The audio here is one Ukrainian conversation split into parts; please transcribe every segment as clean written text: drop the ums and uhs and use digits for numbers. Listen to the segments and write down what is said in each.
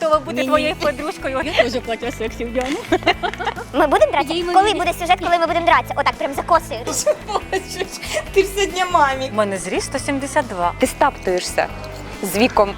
готова бути твоєю подружкою. Я теж платю сексі в Діану. Ми будемо дратися? Коли буде сюжет, коли ми будемо дратися? Отак, прям за косою. Бачиш, ти ж сьогодні мамі. У мене зріст 172. Ти стаптуєшся з віком.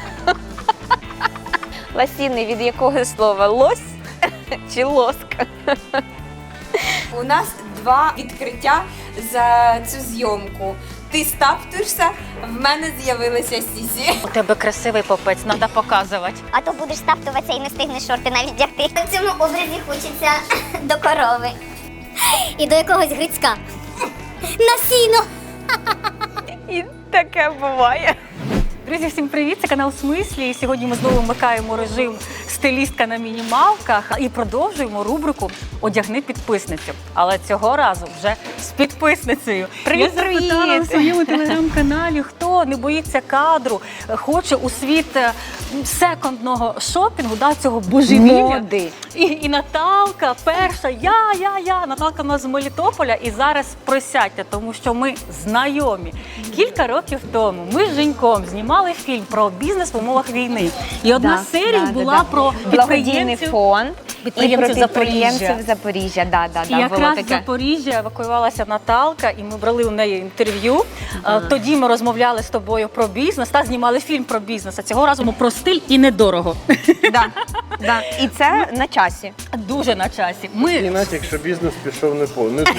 Ласіни від якого слова? Лось чи лоска? У нас 2 відкриття за цю зйомку. Ти стаптуєшся, в мене з'явилися сісі. У тебе красивий попець, треба показувати. А то будеш стаптуватися і не встигнеш шорти навіть вдягти. В цьому образі хочеться до корови. І до якогось грицька. На сіно! І таке буває. Друзі, всім привіт! Це канал «Смислі». І сьогодні ми знову вмикаємо режим «Стилістка на мінімалках» і продовжуємо рубрику «Одягни підписницю». Але цього разу вже з підписницею. Привіт, Я запитала привіт! у своєму телеграм-каналі, хто не боїться кадру, хоче у світ секондного шопінгу, цього божевілля. Моди. І Наталка перша, я. Наталка в нас з Мелітополя, і зараз присядьте, тому що ми знайомі. Кілька років тому ми з Женьком знімали фільм про бізнес в умовах війни. І одна з серій була про благодійний фонд і про підприємців підприємців Запоріжжя. І якраз з Запоріжжя евакуювалася Наталка, і ми брали у неї інтерв'ю. Тоді ми розмовляли з тобою про бізнес, знімали фільм про бізнес, а цього разу ми про стиль і недорого. Да. І це на часі. Дуже на часі. І навіть якщо бізнес пішов не дуже.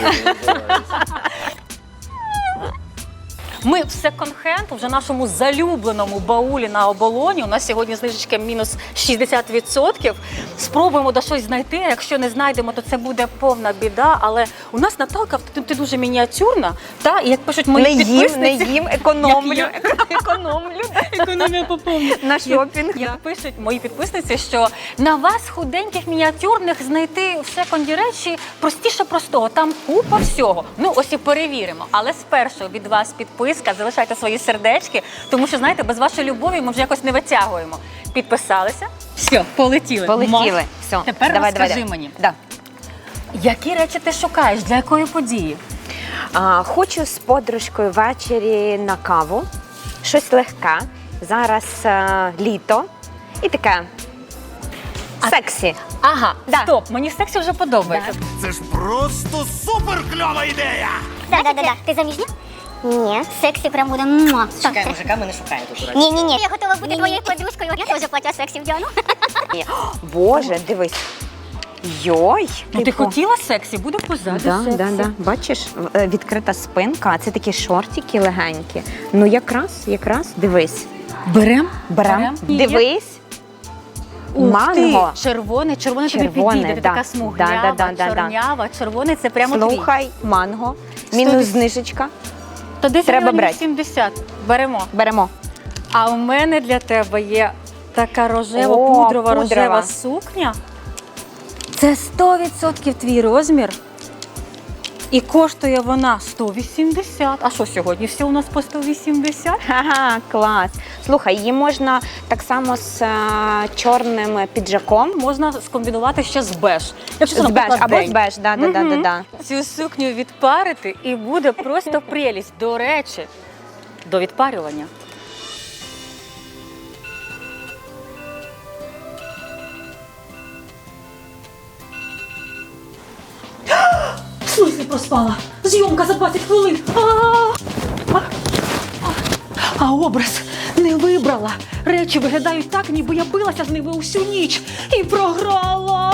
Ми в секонд-хенд, вже нашому залюбленому баулі на оболоні. У нас сьогодні знижечка мінус 60%. Спробуємо до щось знайти. Якщо не знайдемо, то це буде повна біда. Але у нас Наталка, ти дуже мініатюрна. І як пишуть мої підписниці... Не їм, економлю. Економія поповнює. На шопінг. Як пишуть мої підписниці, що на вас, худеньких, мініатюрних, знайти в секонді речі простіше простого. Там купа всього. Ну, ось і перевіримо. Але спершу від вас підписка, залишайте свої сердечки, тому що, знаєте, без вашої любові ми вже якось не витягуємо. Підписалися? Все, полетіли. Полетіли. Все. Тепер розкажи мені, Да. які речі ти шукаєш, для якої події? Хочу з подружкою ввечері на каву. Щось легке. Зараз літо. І таке сексі. Ага, Да. стоп, мені сексі вже подобається. Це ж просто супер кльова ідея! Да. Ти заміжня? Ні. Сексі прям буде муа. Чекай, мужика ми не шукаємо тут. Ні. Я готова бути твоєю подружкою. Я теж платю сексі в Діану. Боже, дивись. Йой. Ну, ти хотіла сексі, буде позаду сексі. Да. Бачиш, відкрита спинка, а це такі шортики легенькі. Ну якраз, дивись. Берем? Дивись. Манго. Червоний тобі Червоне, підійде, ти да. така смуглява, Да. чорнява. Червоний це прямо твій. Слухай, манго. Мінус знижечка. То десь Треба брати. 70. Беремо. Беремо. А у мене для тебе є така О, рожева пудрова. сукня. Це 100% твій розмір. І коштує вона 180. А що сьогодні? Все у нас по 180? Ага, клас. Слухай, її можна так само з чорним піджаком. Можна скомбінувати ще з беж. Якщо це, З беж, наприклад, або день. з беж, да. Цю сукню відпарити і буде просто прелість. До речі, до відпарювання. В смислі проспала? Зйомка за 20 хвилин. А образ не вибрала. Речі виглядають так, ніби я билася з ними усю ніч і програла.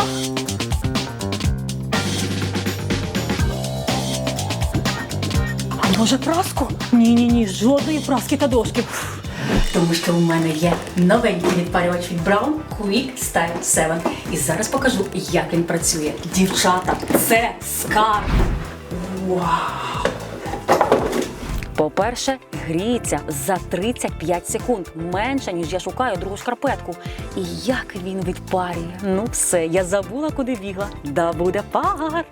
А може праску? Ні, жодної праски та дошки. Тому що у мене є новенький відпарювач від Braun Quick Style 7. І зараз покажу, як він працює. Дівчата, це скарб. Вау! По-перше, гріється за 35 секунд. Менше, ніж я шукаю другу шкарпетку. І як він відпарює. Ну все, я забула, куди бігла. Да буде пар.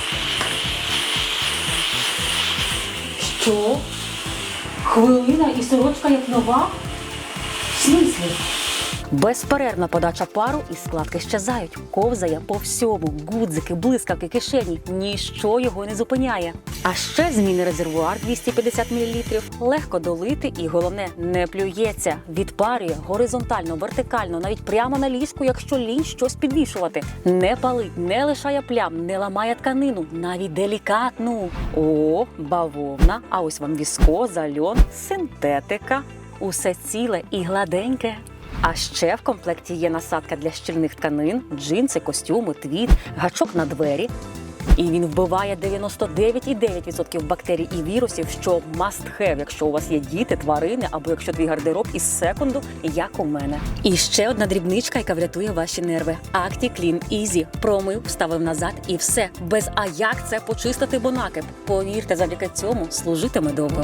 Що? Хвилина і сорочка як нова? В смислі? Безперервна подача пару і складки щезають. Ковзає по всьому. Гудзики, блискавки, кишені. Ніщо його не зупиняє. А ще змінний резервуар 250 мл. Легко долити і, головне, не плюється. Відпарює горизонтально, вертикально, навіть прямо на ліжку, якщо лінь щось підвішувати. Не палить, не лишає плям, не ламає тканину, навіть делікатну. О, бавовна, а ось вам віскоза, льон, синтетика. Усе ціле і гладеньке. А ще в комплекті є насадка для щільних тканин, джинси, костюми, твід, гачок на двері. І він вбиває 99,9% бактерій і вірусів, що must have, якщо у вас є діти, тварини, або якщо твій гардероб із секунду, як у мене. І ще одна дрібничка, яка врятує ваші нерви. ActiClean Easy. Промив, вставив назад і все. Без «а як це почистити, бо накип». Повірте, завдяки цьому служитиме довго.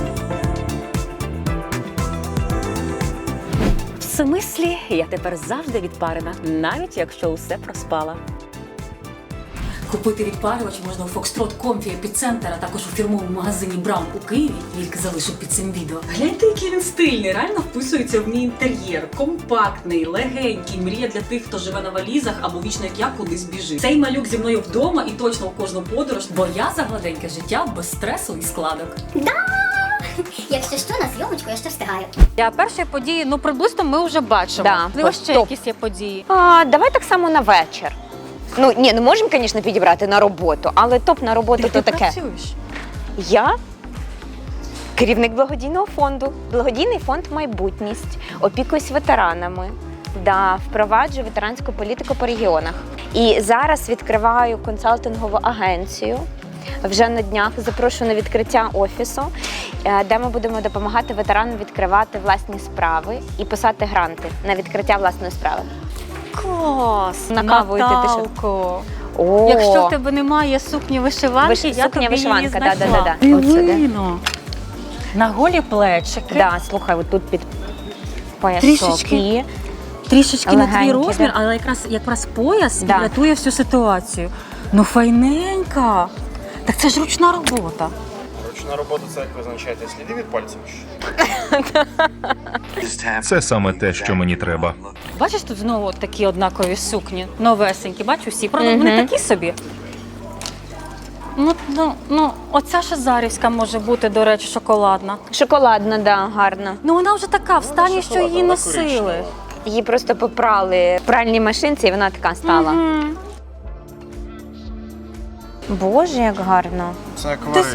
В смислі, я тепер завжди відпарена, навіть якщо усе проспала. Купити відпарювач можна у Foxtrot Comfy Epicenter, а також у фірмовому магазині Браун у Києві. Лінк залишу під цим відео. Гляньте, який він стильний, реально вписується в мій інтер'єр. Компактний, легенький, мрія для тих, хто живе на валізах або вічно, як я, кудись біжить. Цей малюк зі мною вдома і точно у кожну подорож, бо я за гладеньке життя без стресу і складок. Якщо що, на зйомочку я ще встигаю. Я перші події, ну приблизно ми вже бачимо. Да, Можливо, ще топ. якісь є події. Давай так само на вечір. Ну, ні, ну можемо, звісно, підібрати на роботу, але топ на роботу то таке. працюєш? Я керівник благодійного фонду. Благодійний фонд «Майбутність». Опікуюсь ветеранами. Да, впроваджую ветеранську політику по регіонах. І зараз відкриваю консалтингову агенцію. Вже на днях запрошую на відкриття офісу, де ми будемо допомагати ветеранам відкривати власні справи і писати гранти на відкриття власної справи. Клас! На каву йти, ти що? Наталко! О, Якщо в тебе немає сукні вишиванки, я тобі її сукня-вишиванка, знайшла. да. От сюди. Дивино. На голі плечики. Да, слухай, отут під поясок. Трішечки. Трішечки не твій Легенькі, розмір, да. але якраз пояс Да. рятує всю ситуацію. Ну, файненька. Так це ж ручна робота. Ручна робота це як визначаєте сліди від пальців? Це саме те, що мені треба. Бачиш, тут знову от такі однакові сукні, новесенькі, бачу всі. Правда, вони такі собі. Ну, оця шазарівська може бути, до речі, шоколадна. Шоколадна, да, гарна. Ну, вона вже така, в стані, що її носили. Її просто попрали в пральній машинці, і вона така стала. Боже, як гарно. Це акварель.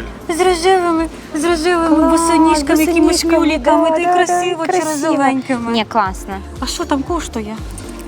З рожевими босоніжками, якимось мюліками, та й красиво чи розовенькими. Ні, класно. А що там коштує?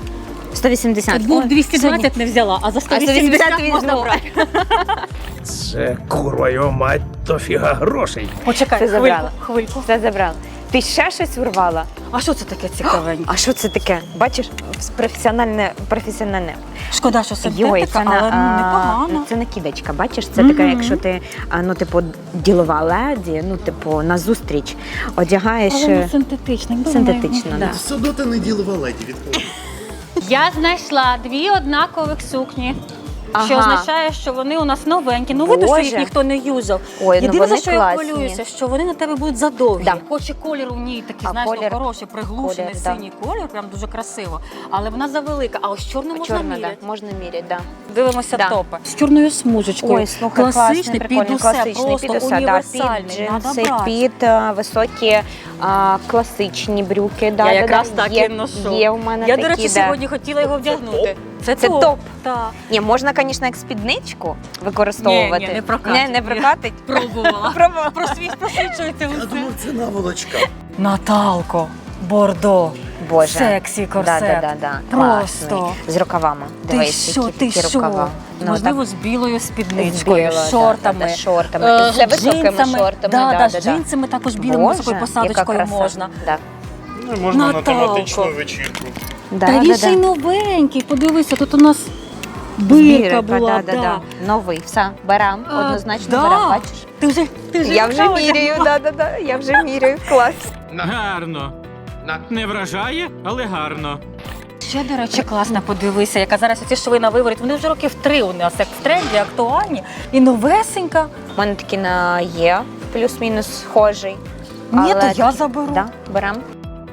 180. Був Ой, 220 не взяла, а за 180 можна візьму. брати. Це, курва його мать, то фіга грошей. Почекай, Це забрала. хвильку. Все забрала. Ти ще щось урвала? А що це таке цікавеньке? А що це таке? Бачиш, професіональне. Шкода, що синтетика, Йой, це але непогано. це накидочка, бачиш? Це така, якщо ти, ну, типу, ділова леді, ну, типу, на зустріч одягаєш. Але не синтетичний. Синтетично, да. да. Судота не ділова леді відповідь. Я знайшла 2 однакових сукні. Ага. Що означає, що вони у нас новенькі. Ну, видно, що їх Боже. ніхто не юзав. Ой, ну Єдине, вони за що я класні. хвилююся, що вони на тебе будуть задовгі. Да. Хоч і колір у ній такий, А знаєш, колір- хороший, приглушений, колір, да. синій колір, прям дуже красиво. Але вона завелика, а ось чорну можна Чорна, міряти. да, можна міряти, да. Дивимося Да. топи. З чорною смужечкою. Ой, слухай, класичний, класний, під прикольний, усе, класичний, просто під усе, да, універсальний. під Надо джинси, брати. під високі класичні брюки. Да, Я да, якраз да. так є, і ношу. Є у мене Я, такі, до речі, да. сьогодні хотіла його вдягнути. Це топ. Так. Ні, можна, звісно, як спідничку використовувати. Ні, не прокатить. Не прокатить? Пробувала. Пробувала. Просвічується Я усе. думав, це наволочка. Наталко, бордо, Боже. сексі корсет. Да. Просто. Класний. З рукавами. Ти Дивись, що, які такі рукава. Ну, Можливо, так. з білою спідничкою, З з шортами. да, шортами. З високими джинсами. шортами. Да, з джинсами також білими Боже, високою яка посадочкою краса. можна. Да. Ну, і можна на Наталко. тематичну вечірку. Да, Та да, він ще й да. новенький, подивися, тут у нас бирка була. да. Новий, все, берем, однозначно да. берем, бачиш? Ти вже Я вже вдягнула? міряю, да, я вже міряю, клас. Гарно. Не вражає, але гарно. Ще, до речі, класно, подивися, яка зараз ці шви на виворіт. Вони вже років 3 у нас, як в тренді, актуальні. І новесенька. У мене такі на є, плюс-мінус схожий. Ні, Але то я такі- заберу. Да, берем.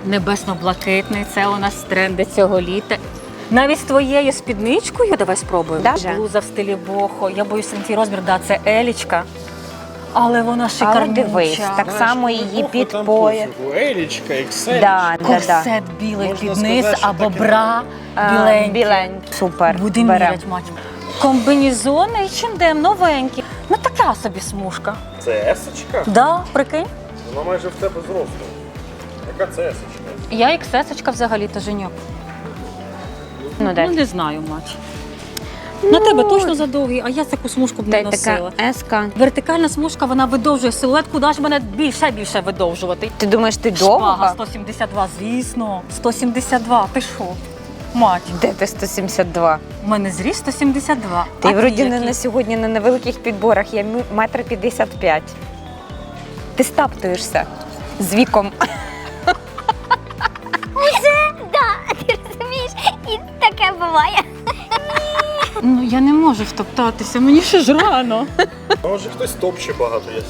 Небесно-блакитний, це у нас тренди цього літа. Навіть з твоєю спідничкою давай спробуємо. Да? Блуза в стилі бохо. Я боюсь, на твій розмір, да, це елічка. Але вона Але шикарнюча. дивись, так само її під Там пояс. пофігу. Елічка, Excel. Корсет білий Можна під низ сказати, що або таке. бра біленький. Біленький. Супер. Будемо Берем. міряти, мать. Комбінезони H&M новенькі. Ну така собі смужка. Це есочка? Да, прикинь. Вона майже в тебе зросла. Яка це есочка? Я XS-очка взагалі-то, Женьок. Ну, дай. Ну, не знаю, мать. На тебе точно задовгий, а я таку смужку б не Дай носила. така еска. Вертикальна смужка, вона видовжує силует, куди ж мене більше видовжувати. Ти думаєш, ти Шпага довга? 172, звісно. 172, ти що? Мать, Де ти 172? у мене зріст 172. Ти А вроді не який? на сьогодні не на великих підборах, я 1,55 м. Ти стаптуєшся з віком. Да, ти розумієш? І таке буває. Ну, я не можу втоптатися, мені ще ж рано. Може хтось топче багато є.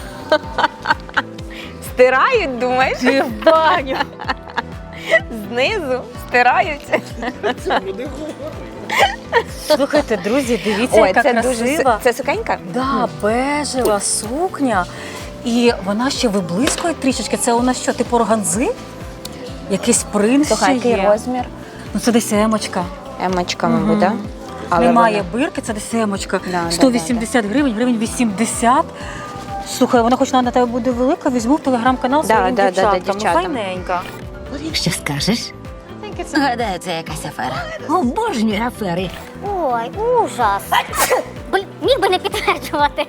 Стирають, думаєш? Ти в баню. Знизу стирають. Це буде Слухайте, друзі, дивіться, Ой, яка це красива. дуже... Це сукенька? Да, бежева сукня. І вона ще виблискує трішечки. Це у нас що, типу органзи? Якийсь принт Слухай, ще який є. розмір? Ну це десь емочка. Емочка, мабуть, так? Немає бирки, це десь емочка. Да, 180 гривень, гривень 80. Слухай, вона хоч на тебе буде велика, візьму в телеграм-канал Да, своїм да, да, дівчаткам. дівчатам. Ну, файненька. Що скажеш? Гадаю, це якась афера. Обожнюю афери. Ой, ужас. Міг би не підтверджувати.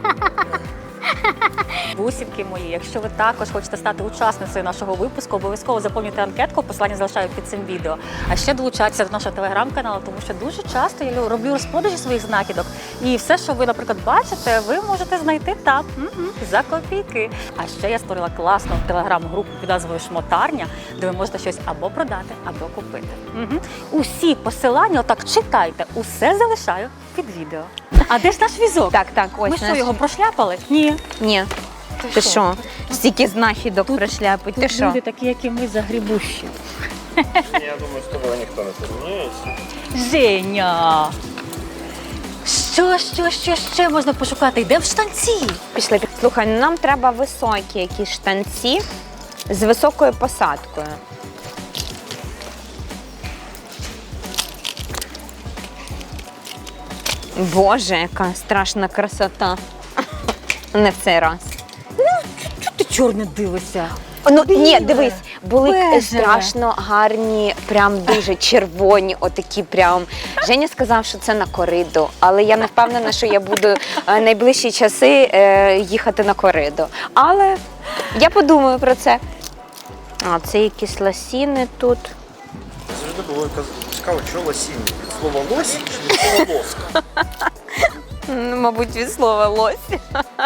Бусинки мої, якщо ви також хочете стати учасницею нашого випуску, обов'язково заповнюйте анкетку, посилання залишаю під цим відео. А ще долучайтеся до нашого телеграм-каналу, тому що дуже часто я роблю розпродажі своїх знахідок. І все, що ви, наприклад, бачите, ви можете знайти там за копійки. А ще я створила класну телеграм-групу під назвою «Шмотарня», де ви можете щось або продати, або купити. Усі посилання, отак читайте, усе залишаю під відео. А де ж наш візок? Так, ось. Ми що, наш- його прошляпали? Ні. Ні. Ти що? Стільки знахідок пришляпить. Ти що? Люди такі, як і ми, загрібущі. Я думаю, з тобою ніхто не порівняється. Женя! Що ще можна пошукати? Йдемо в штанці. Пішли. Слухай, ну нам треба високі якісь штанці з високою посадкою. Боже, яка страшна красота. Не в цей раз. Чого ти чорне дивишся? Ну Біле, ні, дивись, були бежеве. страшно гарні, прям дуже червоні, отакі прям. Женя сказав, що це на кориду, але я не впевнена, що я буду найближчі часи їхати на кориду. Але я подумаю про це. А, це якісь лосіни тут. Завжди було цікаво, що лосіння. Від слова лось чи від слова лоск? Ну, мабуть, від слова лось.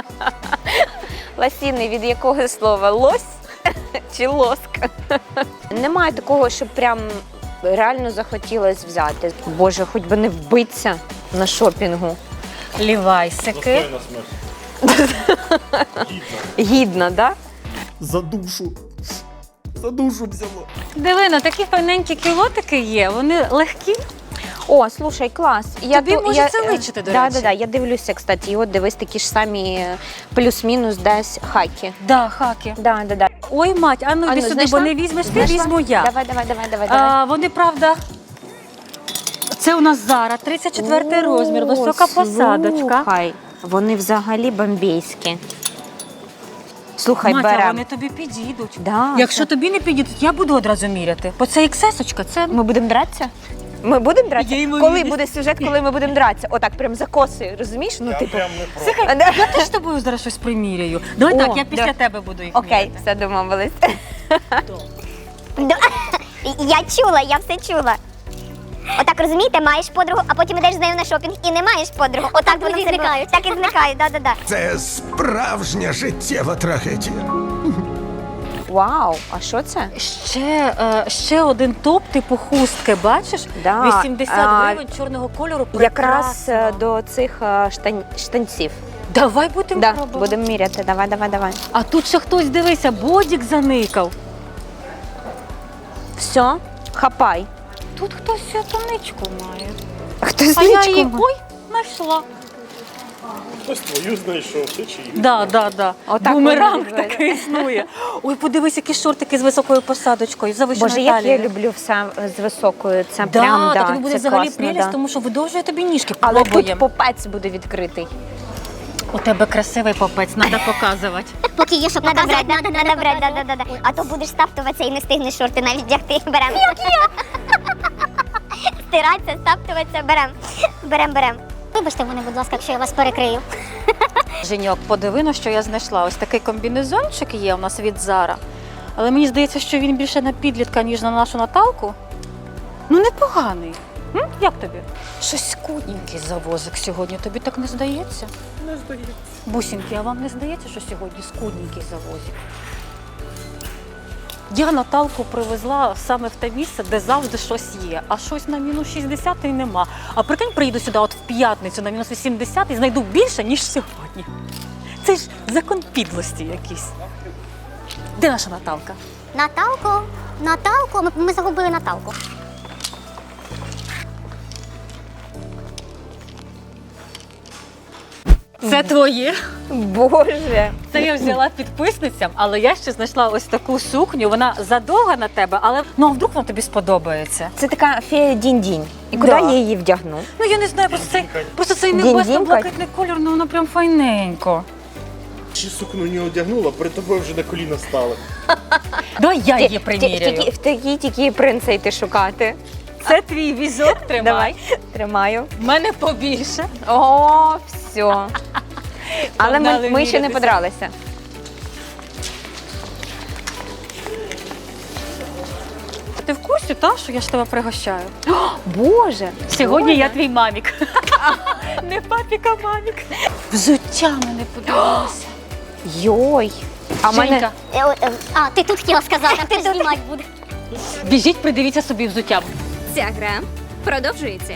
Лосіни від якого слова? Лось чи лоск? Немає такого, щоб прям реально захотілося взяти. Боже, хоч би не вбитися на шопінгу. Лівайсики. Достойна смерть. Гідно, так? Да? За душу. За душу взяло. Диви, ну такі файненькі кілотики є, вони легкі. О, слушай, клас. Тобі може це личити, до речі. Да, я дивлюся, кстати. І от дивись, такі ж самі плюс-мінус десь хаки. Да, хаки. Да. Ой, мать, а ну йди сюди, знайшла? бо не візьмеш ти, Знайшла? візьму я. Давай. Вони, правда, це у нас Зара, 34 розмір, висока посадочка. Слухай, вони взагалі бомбейські. Слухай, Матя, берем. вони тобі підійдуть. Да, Якщо тобі не підійдуть, я буду одразу міряти. Бо це XS-очка, це Ми будемо дратися? Ми будемо дратися? Є ймовірність. Коли буде сюжет, коли ми будемо дратися? Отак, прям за косою, розумієш? Ну, Я типу. прям не проти. Слухай, я теж з тобою зараз щось приміряю. Давай О, так, я після да. тебе буду їх Окей, міряти. все домовились. Да. Я чула, я все чула. Отак, розумієте, маєш подругу, а потім ідеш з нею на шопінг і не маєш подругу. Отак вони зникають. Так і зникають, да. Це справжня життєва трагедія. Вау, а що це? Ще один топ, типу хустки, бачиш? Да. 80 гривень чорного кольору. Якраз прекрасно. до цих штанців. Давай будемо Да, пробувати. будемо міряти. Давай. А тут ще хтось, дивися, бодік заникав. Все, хапай. Тут хтось тоничку має. Хтось А я ничку її, має. ой, знайшла. Хтось твою знайшов, ти чи її? Да. Отак Бумеранг воно відбувається. такий існує. Ой, подивись, які шортики з високою посадочкою, завищеною Боже, як я талією. люблю все з високою. Це Да, прям, та тобі буде це взагалі класно, прелість, да. тому що видовжує тобі ніжки. Але тут Пробуємо. попець буде відкритий. У тебе красивий попець, треба показувати. Поки є що показати, надо брати, да. А то будеш стаптуватися і не встигнеш шорти навіть вдягти. Берем. Як я? Стиратися, стаптуватися, берем. Вибачте мене, будь ласка, якщо я вас перекрию. Женьок, подиви, на що я знайшла. Ось такий комбінезончик є у нас від Zara. Але мені здається, що він більше на підлітка, ніж на нашу Наталку. Ну, непоганий. Як тобі? Щось скудненький завозик сьогодні. Тобі так не здається? Не здається. Бусінки, а вам не здається, що сьогодні скудненький завозик? Я Наталку привезла саме в те місце, де завжди щось є, а щось на мінус 60 і нема. А прикинь, приїду сюди от в п'ятницю на мінус 80 і знайду більше, ніж сьогодні. Це ж закон підлості якийсь. Де наша Наталка? Наталку, ми загубили Наталку. Це твоє. Боже. Це я взяла підписницям, але я ще знайшла ось таку сукню. Вона задовга на тебе, але ну а вдруг вона тобі сподобається? Це така фея дінь-дінь. І куди Да. я її вдягну? Ну я не знаю, просто цей Дінь-дінь, небесно-блакитний колір, ну воно прям файненько. Чи сукну не одягнула, перед тобою вже на коліна стали. Давай я її приміряю. В такій тільки принца йти шукати. Це твій візок, тримай. Давай, тримаю. В мене побільше. О, все. Але Погнали ми ще не мірятися. подралися. Ти в курсі, та, що я ж тебе пригощаю? Боже. Сьогодні я твій мамік. Не папік, а мамік. Взуття мене подобалося. Йой. А в мене Женька, А, ти тут хотіла сказати, а ти знімати буде. біжіть, придивіться собі взуття. Ця гра продовжується.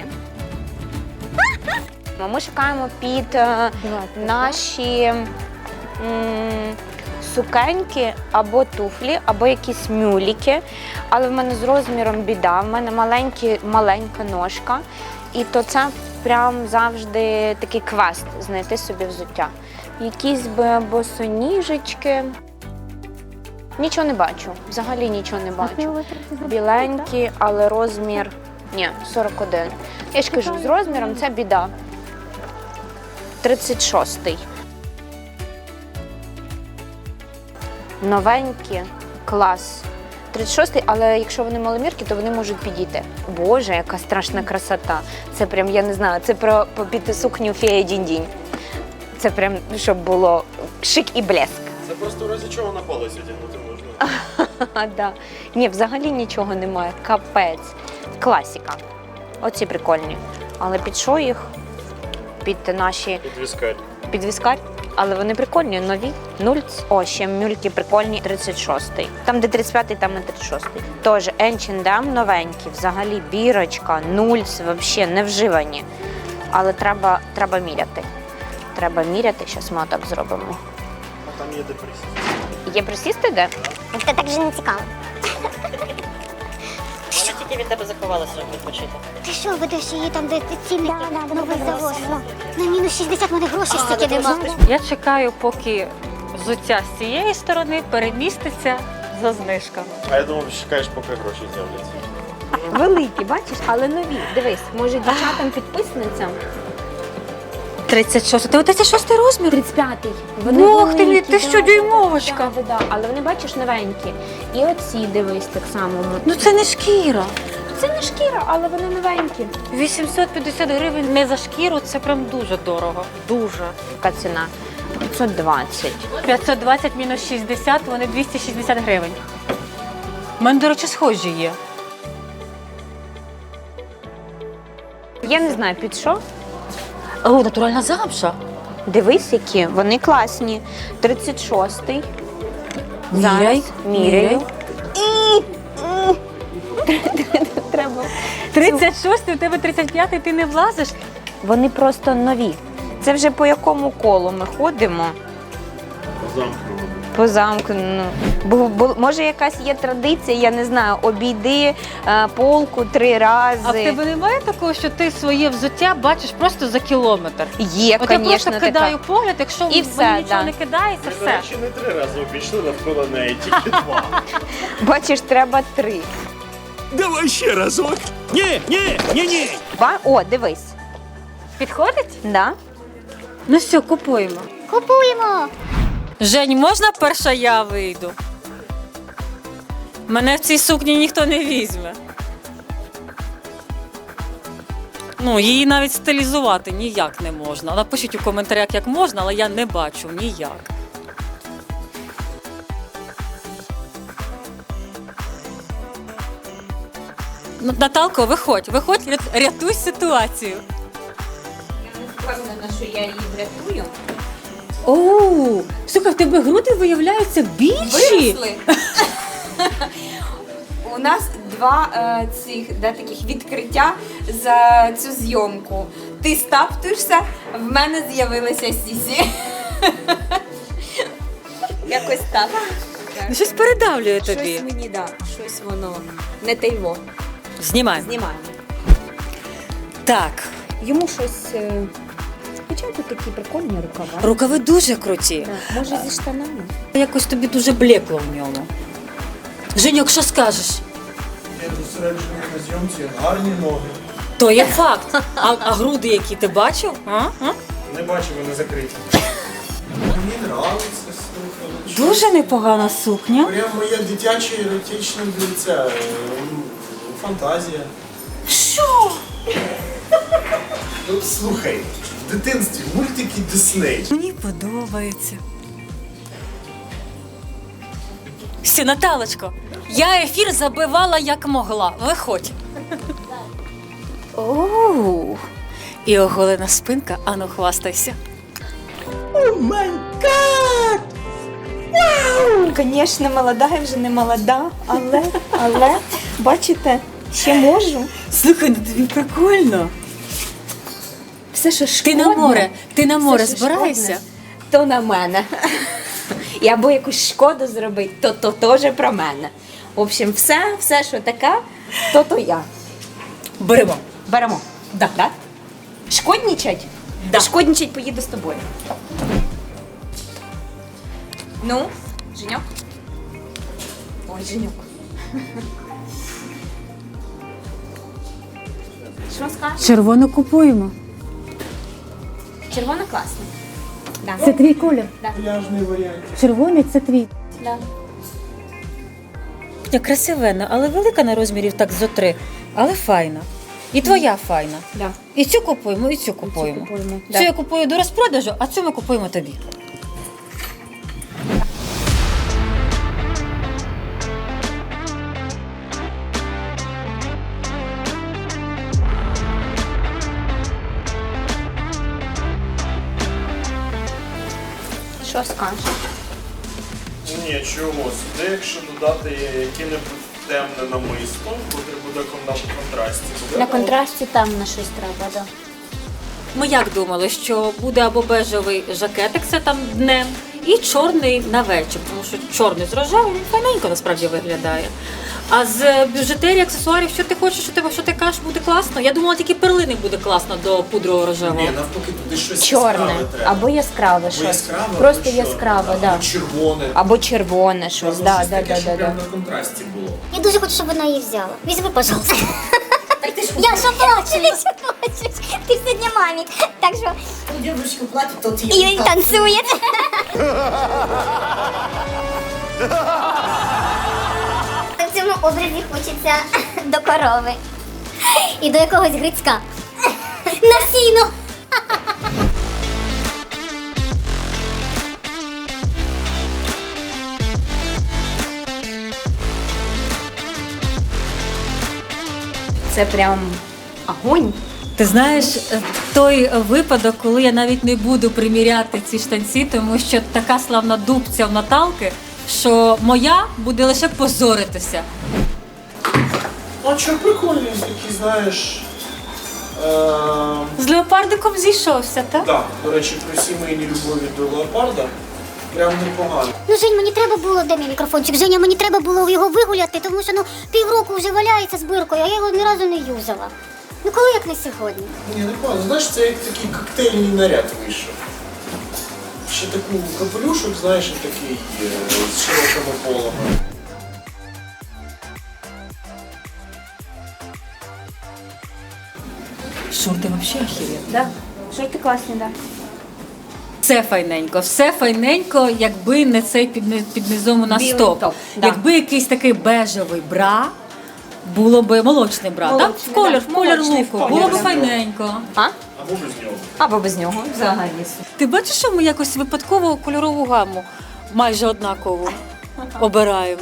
ми шукаємо під наші сукеньки або туфлі, або якісь мюліки. Але в мене з розміром біда. В мене маленька ножка. І то це прям завжди такий квест знайти собі взуття. Якісь босоніжечки. Нічого не бачу. Взагалі нічого не бачу. Біленькі, але розмір... Ні, 41. Я ж кажу, з розміром це біда. 36-й. Новенькі, клас. 36-й, але якщо вони маломірки, то вони можуть підійти. Боже, яка страшна красота. Це прям, я не знаю, це про під сукню фея дінь-дінь. Це прям, щоб було шик і блеск. Це просто в разі чого на палець одягнути можна. Да. Ні, взагалі нічого немає. Капець. Класіка. Оці прикольні. Але під що їх? Під наші... Під віскарь. Під віскарь. Але вони прикольні, нові. О, ще мюльки прикольні. 36-й. Там, де 35-й, там і 36-й. Тож, H&M новенькі. Взагалі бірочка, нульц, взагалі не вживані. Але треба міряти. Треба міряти. Зараз ми отак зробимо. А там є де присісти. Є присісти де? Це так же не цікаво. Вона тільки від тебе заховалася, щоб відпочити. Ти що ведеш її там, де цінник новий завоз? На мінус 60 мене грошей стільки нема. Я чекаю, поки взуття з цієї сторони переміститься за знижками. А я думав, чекаєш, поки гроші з'являться. Великі, бачиш, але нові. Дивись, може дівчатам-підписницям. 36. Ти 36 розмір? 35-й. Ох ти мій, ти що, дюймовочка? Да. Але вони, бачиш, новенькі. І оці, дивись, так само. Ну це не шкіра. Це не шкіра, але вони новенькі. 850 гривень не за шкіру, це прям дуже дорого. Дуже. Яка ціна? 520. 520 мінус 60, вони 260 гривень. У мене, до речі, схожі є. Я не знаю, під що. О, натуральна замша. Дивись, які. Вони класні. 36-й. Міряй, Зараз міряю. Треба. 36, у тебе 35, ти не влазиш. Вони просто нові. Це вже по якому колу ми ходимо? Замкнено. По замку. Ну. Може якась є традиція, я не знаю, обійди полку 3 рази. А в тебе немає такого, що ти своє взуття бачиш просто за кілометр? Є, От я звісно, просто така. кидаю погляд, якщо І мені все, нічого да. не кидається, До все. речі, не 3 рази обійшли навколо неї, тільки 2. Бачиш, треба 3. Давай ще разок. Ні. О, дивись. Підходить? Да? Ну все, купуємо. Купуємо. Жень, можна перша я вийду? Мене в цій сукні ніхто не візьме. Ну, її навіть стилізувати ніяк не можна. Напишіть у коментарях, як можна, але я не бачу ніяк. Ну, Наталко, виходь, рятуй ситуацію. Я не впевнена, що я її врятую. Оу, слухай, в тебе груди виявляються більші. Виросли. У нас 2 таких відкриття за цю зйомку. Ти стаптуєшся, в мене з'явилася сісі. Якось так. Ну, щось передавлює тобі. Щось мені, да, щось воно не тайво. Знімаємо. Знімаємо. Так, Йому щось... Спочатку такі прикольні рукава. рукави дуже круті. Може зі штанами? Якось тобі дуже блекло в ньому. Женьок, що скажеш? Я зосереджений на зйомці, гарні ноги. То є факт. А груди, які ти бачив? А? Не бачу, вони закриті. Мені нравиться, слухай. Дуже непогана сукня. Прям моя дитяча еротична фантазія. Що? Ну, слухай, в дитинстві мультики Дисней. Мені подобається. Все, Наталочко, я ефір забивала як могла. Виходь. Оу. І оголена спинка, ану хвастайся. Звісно, молода, я вже не молода, але, бачите, ще можу. Слухай, ну тобі прикольно. Все, що шкодне, Ти на море що збираєшся? шкодне, то на мене. І або якусь шкоду зробити, то теж про мене. В общем, все, що таке, то я. Беремо. Беремо. Да. Да? Шкоднічать? Да. Шкоднічать поїду з тобою. Ну, Женьок? Ой, Женьок. Що скажеш? Червону купуємо. Червона класна. Да. Це твій колір. Пляжний варіант. Червоний це твій. Да. Красивенна, але велика на розмірів так зо 3. Але файна. І твоя файна. Да. І цю купуємо, і цю купуємо. Цю я купую до розпродажу, а цю ми купуємо тобі. Що скажеш? Ні, чого, сюди, якщо додати яке-небудь темне намисто, котрий буде на контрасті. На контрасті там на щось треба, да. Ми як думали, що буде або бежевий жакетик, це там днем, і чорний на вечір, тому що чорний з рожевим він файненько насправді виглядає. А з бюджетерії, аксесуарів, що ти хочеш, що ти кажеш, буде класно? Я думала, тільки перлини буде класно до пудрового рожевого. Ні, навпаки, туди щось Чорне. яскраве треба. Або яскраве Або щось. яскраве, Просто або чорне, яскраве, да. Або червоне. Або червоне щось. Треба Да, щось да, таке, да, щоб да, прямо да. на контрасті було. Я дуже хочу, щоб вона її взяла. Візьми, пожалуйста. Я що плачу? Ти що плачеш? Ти ж сьогодні мамі. Так що... Дівчинка платить, то ти І танцює. В цьому образі хочеться до корови. І до якогось грицька. На сіно. Це прям огонь. Ти знаєш, той випадок, коли я навіть не буду приміряти ці штанці, тому що така славна дубця в Наталки, що моя буде лише позоритися. А що прикольні, такі, знаєш... З леопардиком зійшовся, так? Так, до речі, при сімейній любові до леопарда прям непогано. Ну, Жень, мені треба було, де мій мікрофончик? Женя, мені треба було його вигуляти, тому що півроку вже валяється з биркою, а я його ні разу не юзала. Ну коли як не сьогодні? Ні, непогано. Знаєш, це як такий коктейльний наряд вийшов. Ще таку капелюшок, знаєш, такий з широкими полами. Шорти взагалі охеренно. Да. Шорти класні, так. Да. Все файненько, якби не цей під низом у нас Білий топ. топ, да. Якби якийсь такий бежевий бра, було б молочний бра, так? В колір луку, було б файненько. Або без нього. Або без нього, взагалі. Ти бачиш, що ми якось випадково кольорову гаму майже однакову обираємо?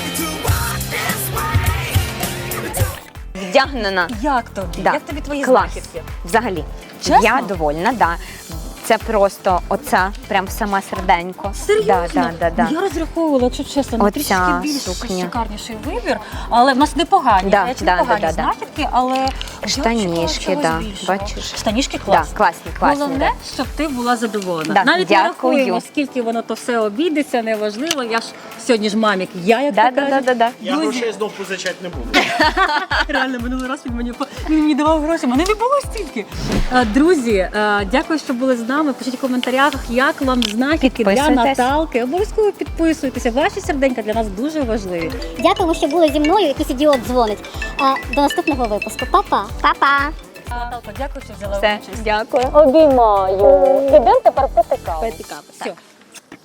Вдягнена. Як тобі? Да. Як тобі твої Клас. знахідки? Взагалі. Чесно? Я довольна, да. Це просто оця, прям сама серденько. Серйозно? Да. Я розраховувала, якщо чесно, на Оця трішки більш сукня. шикарніший вибір, але в нас непогані, Да, речі, да, непогані да. знахідки, але Штанішки, я да. більшого. Бачиш? Штанішки Да, класні. класні, Головне, да. щоб ти була задоволена. Да, Навіть не дякую. рахуємо, скільки воно то все обійдеться, неважливо. Я ж сьогодні ж мамік, я як то кажуть. Да. Я грошей знов позичати не буду. Реально, минулий раз він мені давав гроші, мене не було стільки. Друзі, дякую, що були з нами. Пишіть в коментарях, як вам знахідки для Підписуйтесь. Наталки. Обов'язково підписуйтеся. Ваші серденька для нас дуже важливі. Дякуємо, що були зі мною, якийсь ідіот дзвонить. До наступного випуску. Па-па. Па-па. Наталко, дякую, що взяла Все, участь. дякую. Обіймаю. Ідемо тепер пити каву. Пити каву, так. Все.